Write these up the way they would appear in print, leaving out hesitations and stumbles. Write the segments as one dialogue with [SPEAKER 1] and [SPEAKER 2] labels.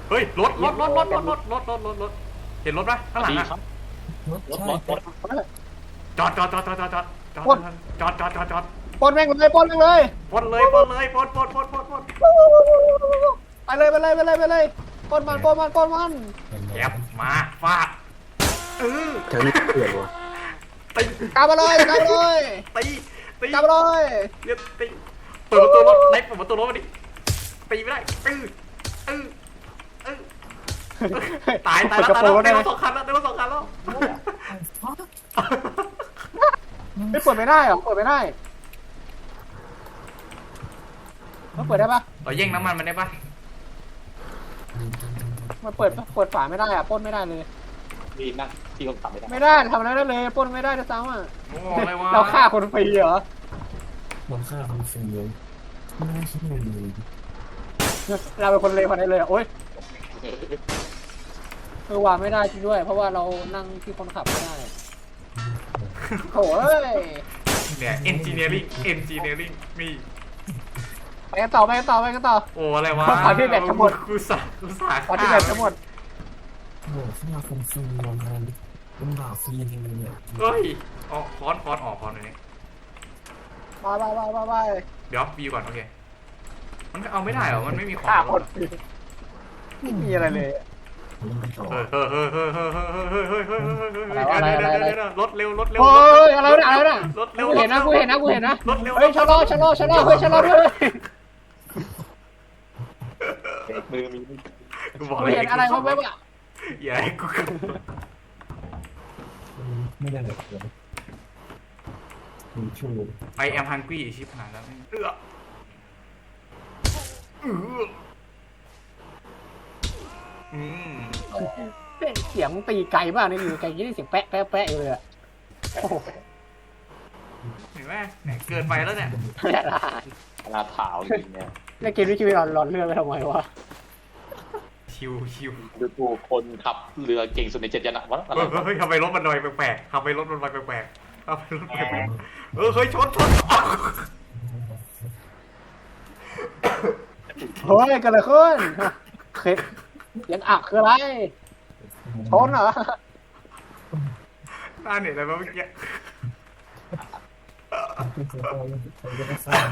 [SPEAKER 1] เฮ้ยรถเห็นรถปะข้างหลังอะ
[SPEAKER 2] รถ
[SPEAKER 1] จอด
[SPEAKER 3] ปนแม่งเลยปนแม่งเลย
[SPEAKER 1] ปนเลย
[SPEAKER 3] ไปเลยปนมันปนมัน
[SPEAKER 1] แอบมาฟาด
[SPEAKER 2] แถวนี้เปลี่ยนวะ
[SPEAKER 1] ตี
[SPEAKER 3] กลับมาเลย
[SPEAKER 1] ตี
[SPEAKER 3] กลับมาเลย
[SPEAKER 1] เดี๋ยวตีเปิดประตูรถไล่เปิดประตูรถมาดิตีไม่ได้ตายแล้วได้รถสองคันแล้ว
[SPEAKER 3] ไม่เปิดไม่ได้หรอเปิดไม่ได้มันเปิดได้ปะ
[SPEAKER 1] เราแย่งน้ำมันมันได้ปะ
[SPEAKER 3] มันเปิดฝาไม่ได้อะปนไม่ได้เลย
[SPEAKER 4] มีนั่งที่คนขับไม่ได้
[SPEAKER 3] ไม่ได้ทำอะไรได้เลยปนไม่ได้ด้วยซ้ำอ่ะ
[SPEAKER 1] โอ้อะไรวะ
[SPEAKER 3] เราฆ่าคนฟรีเหรอ
[SPEAKER 2] มันฆ่าคนฟรีเลยไม่น่าคิดเลย
[SPEAKER 3] เราเป็นคนเลวคนนี้เลยโอ๊ยวางไม่ได้จริงด้วยเพราะว่าเรานั่งที่คนขับไม่ได้โอ้ย
[SPEAKER 1] เนี่ย engineering มี
[SPEAKER 3] ไปกันต่อ
[SPEAKER 1] โอ้อะไรวะ
[SPEAKER 3] ขอที่แบตจะหมด
[SPEAKER 1] กูสา
[SPEAKER 3] ขอที่แบตจะหมด
[SPEAKER 2] โอ้ฆ่าคนฟรีมันเป็นบาปฟรีจริงๆเนี่ย
[SPEAKER 1] เฮ้ยอ๋อค้อนออกค้อนหน่อยนี่
[SPEAKER 3] ไป
[SPEAKER 1] เดี๋ยวบีก่อนโอเคมันเอาไม่ได้เหรอมันไม่มีของ
[SPEAKER 3] ฆ่าคนฟรีไม่มีอะไรเลย
[SPEAKER 2] มันเป็นต่อ
[SPEAKER 1] เรถเร็ว
[SPEAKER 3] โอ้ยอะไรนะกูเห็นนะเฮ้ยชะลอเฮ้ยชะลอด้วย
[SPEAKER 4] มือมี
[SPEAKER 1] กูบอก
[SPEAKER 3] กูเห็นอะไรเขาแบบว่า
[SPEAKER 1] อย่าให้กู
[SPEAKER 2] ไม่ได้เลยมีชู
[SPEAKER 1] ไอแอมฮังกี้ชิบหายแล้ว
[SPEAKER 3] เสียงตีไกลมากนี่อยู่ไกลยี่เสียงแปะอยู่เลยอะโอ้โห
[SPEAKER 1] เห็นไหมเกินไปแล้วเนี่ย
[SPEAKER 3] ไม่ได้ละ
[SPEAKER 4] ขนาดถาวจริงเนี่ย
[SPEAKER 3] แล้วเกมนี้ชีวิตหลอนเรื่องไปทำไมวะ
[SPEAKER 1] ชิว
[SPEAKER 4] ดูคนขับเรือเก่งสุดใน7 ยันอะวะอะไร
[SPEAKER 1] เฮ้ยทำไมรถมันลอยแปลกๆทำไมรถมันลอยแปลกๆเฮ้ยชน
[SPEAKER 3] เฮ้ยเกิดอะไรขึ้นเคสยังอักคืออะไรชนเหรอ
[SPEAKER 1] หน้าเนี่ยอะไรมาเมื่อกี้
[SPEAKER 2] ผมจะไม่ทราบ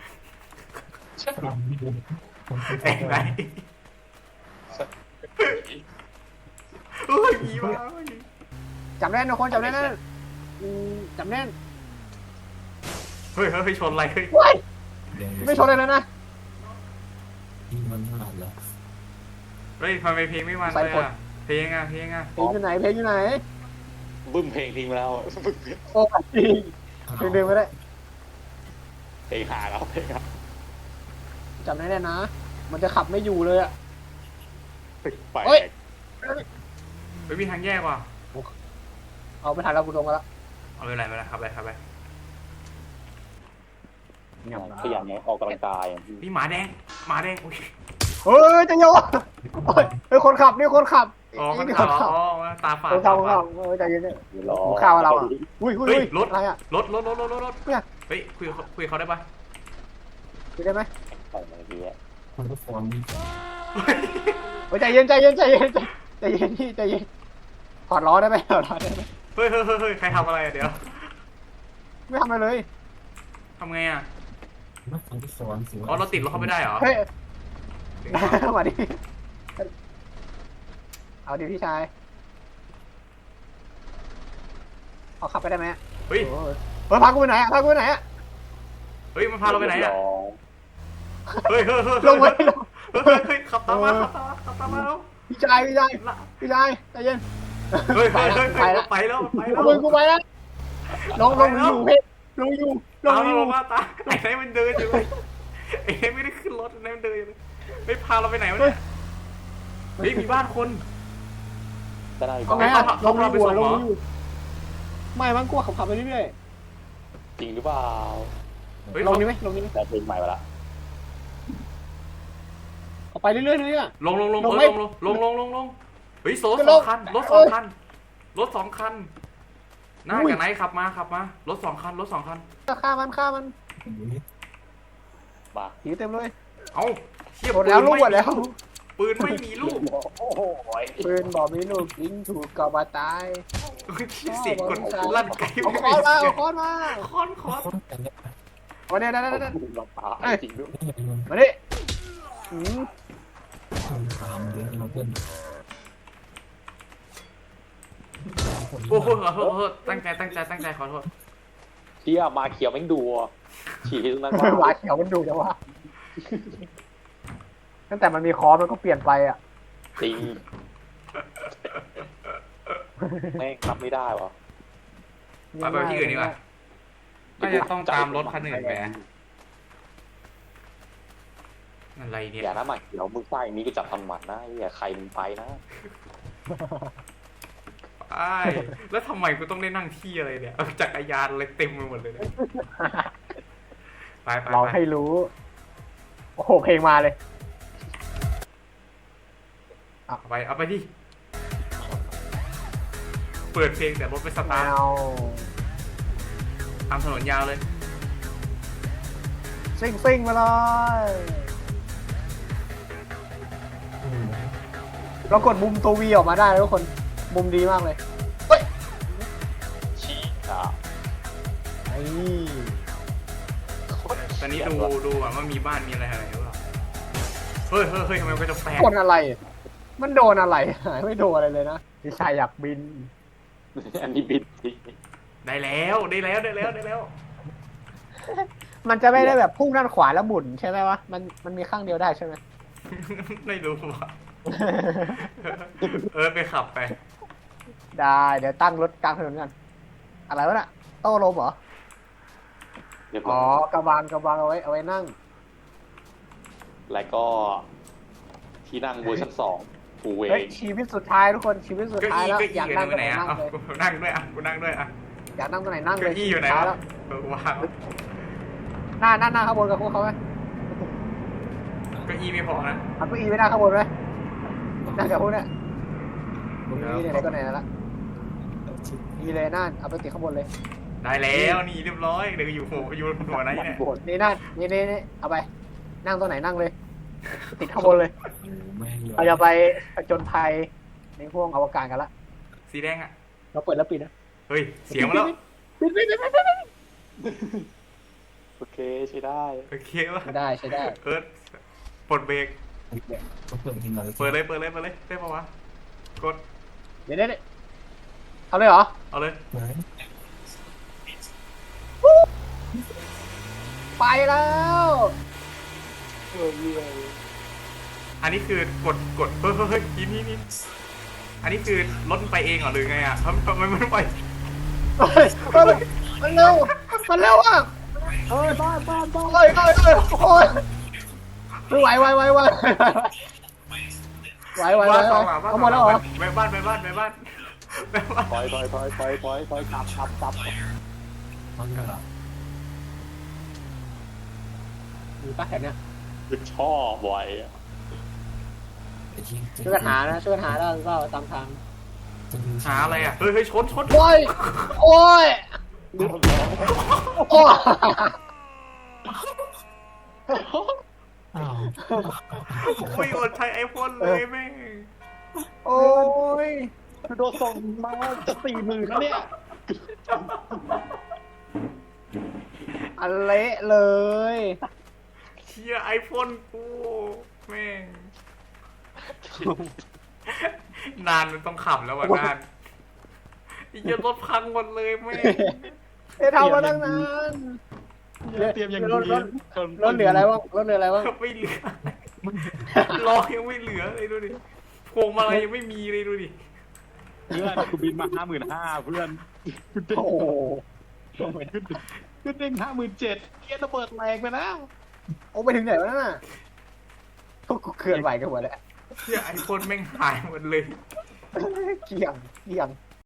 [SPEAKER 1] แต่งไหนเฮ้ยมีมา
[SPEAKER 3] จำแน่นทุกคนจำแน่นจำแน่น
[SPEAKER 1] เฮ้ยชนอะไรเฮ้ย
[SPEAKER 3] ว้ายไม่ชนเลยนะ
[SPEAKER 2] ที่มันพลาดแล้ว
[SPEAKER 1] เฮ้ยทำไมเพลงไม่มันเลยอ่ะเพลงอ่ะ
[SPEAKER 3] เพลงอยู่ไหน
[SPEAKER 4] บึ้มเพลงทิ้งไปแล้ว
[SPEAKER 3] โอ้จริงเพลงเดินไม่ได้
[SPEAKER 4] เพลงหาแล้วเพลงครับ
[SPEAKER 3] จำแน่นนะ มันจะขับไม่อยู่เลยอะ
[SPEAKER 4] ไป
[SPEAKER 3] เฮ้ย
[SPEAKER 1] ไม่มีทางแยกว่ะ
[SPEAKER 3] เอาไปทันแล้วกูลงมาแล้ว
[SPEAKER 1] เอาไปไหนขับไป
[SPEAKER 4] ขยันไงออกกำลังกาย
[SPEAKER 1] นี่หมาแดงโอ้ย
[SPEAKER 3] เฮ้ยจะโยนเฮ้ยคนขับนี่คนขับ
[SPEAKER 1] อ๋อมัน
[SPEAKER 3] นี่
[SPEAKER 1] ขั
[SPEAKER 3] ค
[SPEAKER 1] บ
[SPEAKER 3] นขับ
[SPEAKER 1] อ๋อตาฝาด
[SPEAKER 3] คนขับใจเย็นๆข้าวเราอ่ะอุ้ย
[SPEAKER 1] รถ
[SPEAKER 3] อะไรอ่ะ
[SPEAKER 1] รถ
[SPEAKER 3] เนี่ย
[SPEAKER 1] เฮ้ยคุยเขาได้ปะ
[SPEAKER 3] คุยได้ไหม
[SPEAKER 4] ใส่เมื่อกี้
[SPEAKER 2] มันก็ฟอร์มดี
[SPEAKER 3] เฮ้ยใจเย็นพี่ใจเย็นถอดล้อได้ไหม
[SPEAKER 1] เฮ้ยใครทำอะไรเดี๋ยว
[SPEAKER 3] ไม่ทำอะไรเลย
[SPEAKER 1] ทำไงอ่ะ
[SPEAKER 2] นักฟังที่สอนสิ
[SPEAKER 1] อ๋อเราติดรถเขาไม่ได้เหรอ
[SPEAKER 3] เฮ้ยมาดิเอาดิพี่ชายเอาขับไปได้ไหม
[SPEAKER 1] เฮ้ย
[SPEAKER 3] พากูไปไหนอ่ะ
[SPEAKER 1] เฮ้ยมันพาเราไปไหนอ่ะเฮ้ย
[SPEAKER 3] ลงไป
[SPEAKER 1] เฮ้ยขับตามมาแล้ว
[SPEAKER 3] พี่ชายใจเย็น
[SPEAKER 1] เฮ้ย
[SPEAKER 3] ไปแล้ว
[SPEAKER 1] ไปแล้ว
[SPEAKER 3] กูไปแล้วลงอยู่เพชรลงอยู่
[SPEAKER 1] ตาไอ้ไหนมันเดินอยู่ไอ้ไหนไม่ได้ขึ้นรถไอ้ไหนมันเดินอยู่ไม่พาเราไปไหนวะเนี่ยเฮ้ยมีบ้านคน
[SPEAKER 4] จะได้
[SPEAKER 3] เอาไงอ่ะลงอยู่ไม่มั้งกูขับไปเรื่อย
[SPEAKER 4] จริงหรือเปล่า
[SPEAKER 3] ลงนี่ไหม
[SPEAKER 4] แต่เพลงใหม่มาละ
[SPEAKER 3] เอาไปเรื่อยเลยอ่ะ
[SPEAKER 1] ลงเฮ้ยรถสองคันหน้าจากไหนขับมารถสองคัน
[SPEAKER 3] ฆ่ามัน
[SPEAKER 4] มา
[SPEAKER 3] ผีเต็มเลย
[SPEAKER 1] เอ้าเทียบ
[SPEAKER 3] หมดแล้วลูกหมดแล้ว
[SPEAKER 1] ปืนไม่มีลูก
[SPEAKER 4] โอ้โห
[SPEAKER 3] ปืนบอกมีลูกยิงถูกก็มาตาย
[SPEAKER 1] เสียงกดลั่นไกล
[SPEAKER 3] เอาค้อนมาเอาค้อนมา
[SPEAKER 1] ค้อนค้อน
[SPEAKER 2] คนแต่เนี่ย
[SPEAKER 3] วันนี้นะ
[SPEAKER 4] เราตายจริงด้วย
[SPEAKER 2] นี่ไงมัน
[SPEAKER 3] มาดิอืม
[SPEAKER 2] คนตามเดินมาเพื่อน
[SPEAKER 1] โอ้โหขอโทษขอโทษตั้งใจขอโทษ
[SPEAKER 4] เที่ยมาเขียวแม่งดูฉี่ตรงนั้น
[SPEAKER 3] หวาเขียวมันดูจังวะตั้งแต่มันมีค้อนมันก็เปลี่ยนไปอ่ะ
[SPEAKER 4] จริงแม่งรับไม่ได้วะ
[SPEAKER 1] ไปที่อื่นดีกว่าน่าจะต้องตามรถคันอื่นไปอะไรเนี่ย
[SPEAKER 4] อย่านะหมาเขียวมึงไส้นี้ก็จับทำหมันนะอย่าใครมึงไปนะ
[SPEAKER 1] ไอ้แล้วทำไมกูต้องได้นั่งที่อะไรเนี่ยจักรยานอะไรเต็มไปหมดเลยเนี่ยไป
[SPEAKER 3] เราให้รู้ โอ้โหเพลงมาเลย
[SPEAKER 1] เอาไปดิเปิดเพลงแต่รถไม่ส
[SPEAKER 3] แม
[SPEAKER 1] ตาร์ท
[SPEAKER 3] ว
[SPEAKER 1] ตามถนนยาวเลย
[SPEAKER 3] ซิ่งมาเลยเรากดมุมตัววีออกมาได้แล้วทุกคนมุมดีมากเลย
[SPEAKER 4] ฉี่อ่ะ
[SPEAKER 3] ไอ้
[SPEAKER 1] ตอนนี้ดูอ่ะว่ามีบ้านมีอะไรหรือเปล่าเฮ้ยทำไมมันก็จะแปลก
[SPEAKER 3] คนอะไร มันโดนอะไรไม่โดนอะไรเลยนะพี่ชายอยากบิน
[SPEAKER 4] อันนี้บิดจริง
[SPEAKER 1] ได้แล้ว
[SPEAKER 3] มันจะไม่ได้แบบพุ่งด้านขวาแล้วหมุนใช่ไหมวะมันมีข้างเดียวได้ใช่ไหม
[SPEAKER 1] ไม่รู้ว่ะไปขับไป
[SPEAKER 3] ได้เดี๋ยวตั้งรถกลางถนนกันอะไรวะน่ะโต้ลมเหรอ
[SPEAKER 4] เรียบ
[SPEAKER 3] อ๋
[SPEAKER 4] ร้
[SPEAKER 3] อ
[SPEAKER 4] อย
[SPEAKER 3] กระบางเอาไว้นั่ง
[SPEAKER 4] แล้วก็ที่นั่งเวอร์ชัน2กูเว
[SPEAKER 3] เฮ้ย
[SPEAKER 4] ง
[SPEAKER 3] ชีวิตสุดท้ายทุกคนชีวิตสุด
[SPEAKER 1] เก็
[SPEAKER 3] ท้าย
[SPEAKER 1] อี้
[SPEAKER 3] แล้ว
[SPEAKER 1] ก็
[SPEAKER 3] อ
[SPEAKER 1] อี้
[SPEAKER 3] ยาก
[SPEAKER 1] อยู่
[SPEAKER 3] นั่งตรง
[SPEAKER 1] ไห
[SPEAKER 3] ไห
[SPEAKER 1] น
[SPEAKER 3] น
[SPEAKER 1] อ่ะ
[SPEAKER 3] นั่งเลย
[SPEAKER 1] กูนั่งด้วยอ่ะกูนั่งด้วยอ่ะ
[SPEAKER 3] อยากนั่งตรงไหนนั่งเล
[SPEAKER 1] เก็
[SPEAKER 3] ย
[SPEAKER 1] อี้อยู่ไหน
[SPEAKER 3] สุดท้
[SPEAKER 1] วะ
[SPEAKER 3] แล้ว
[SPEAKER 1] วาง
[SPEAKER 3] หน้าข้างบนกับพวกเขาไหม
[SPEAKER 1] เก็อี้ไม่พอนะ
[SPEAKER 3] เอาเก้าอี้ไปหน้าข้างบนไหมนั่งกับพวกเนี้ยนี่ไหนก็ไหนแล้วนี่เลยนั่นเอาไปติดข้างบนเลย
[SPEAKER 1] ได้แล้วนี่เรียบร้อยเดี๋ยวอยู่หัวไหนเนี่ย
[SPEAKER 3] นี่นั่นนี่เอาไปนั่งตรงไหนนั่งเลย ติดข้างบนเลย
[SPEAKER 2] แม่งเลย
[SPEAKER 3] เราจะไปผจญภัยในห้วงอวกาศกันละ
[SPEAKER 1] สีแดงอ่ะ
[SPEAKER 3] เราเปิดแล้วปิดนะ
[SPEAKER 1] เฮ้ยเสียงมาแล้ว
[SPEAKER 3] ปิด
[SPEAKER 4] โอเคใช้ได้
[SPEAKER 1] โอเควะ
[SPEAKER 3] ใช้ได้
[SPEAKER 1] ปลดเบรก
[SPEAKER 2] ต้องเปิดทีมเราเลย
[SPEAKER 1] เปิดเลยได้ปะวะกด
[SPEAKER 3] เดี๋ยวเอาเลยเหรอ
[SPEAKER 1] เอาเลย
[SPEAKER 2] ไหน
[SPEAKER 3] ไปแล้ว
[SPEAKER 1] อันนี้คือกดเฮ้ยนี่อันนี้คือรถมันไปเองเหรอหรือไงอ่ะทำไมมันไป
[SPEAKER 3] มันเร็วอ่ะโอ้ยไม่ไหวเอาหมดแล้วเหรอ
[SPEAKER 1] ไปบ้าน
[SPEAKER 4] ถอยกลับ
[SPEAKER 2] มันเหรอ
[SPEAKER 3] มีป้าแถวเนี้ย
[SPEAKER 4] คือชอบไว้อะ
[SPEAKER 2] ไอ้ที่
[SPEAKER 3] ช่วยกันหาได้หรือเปล่าตามทาง
[SPEAKER 1] หาอะไรอ่ะเฮ้ยชน
[SPEAKER 3] โอ้ยโอ้ย
[SPEAKER 2] อ้าว
[SPEAKER 1] โอ้ยอดใช้ไอโฟนเลยแม่ง
[SPEAKER 3] โอ้ย
[SPEAKER 4] โดนส่งมาจะ40,000แล้วเนี่ย
[SPEAKER 3] อันเละเลย
[SPEAKER 1] เชียไอโฟนกูแม่งนานมันต้องขับแล้วว่ะนานไอ้เหี้ยรถพังหมดเลยแม่ง
[SPEAKER 3] ทำมาตั้งนาน
[SPEAKER 4] เตรียมอย่าง
[SPEAKER 3] ร
[SPEAKER 4] ดี
[SPEAKER 3] ถเหลืออะไรบ้าง
[SPEAKER 1] ไม่เหลือล้อยังไม่เหลือเลยดูดิพวงมาลัยยังไม่มีเลยดูดิ
[SPEAKER 4] เพื่อนกูบินมา55,000เพื่อนกูเด้ง
[SPEAKER 3] โอ้โห
[SPEAKER 4] กูเด้ง57,000เกียร์ระเบิดแรงไปแล้ว
[SPEAKER 3] โอ้ไปถึงไหนวะนั่นน่ะพวกกูเคลื่อนไหวกันหมดแล้ว
[SPEAKER 1] เชียไอโฟนแม่งหายหมดเลย
[SPEAKER 3] เกี่ยง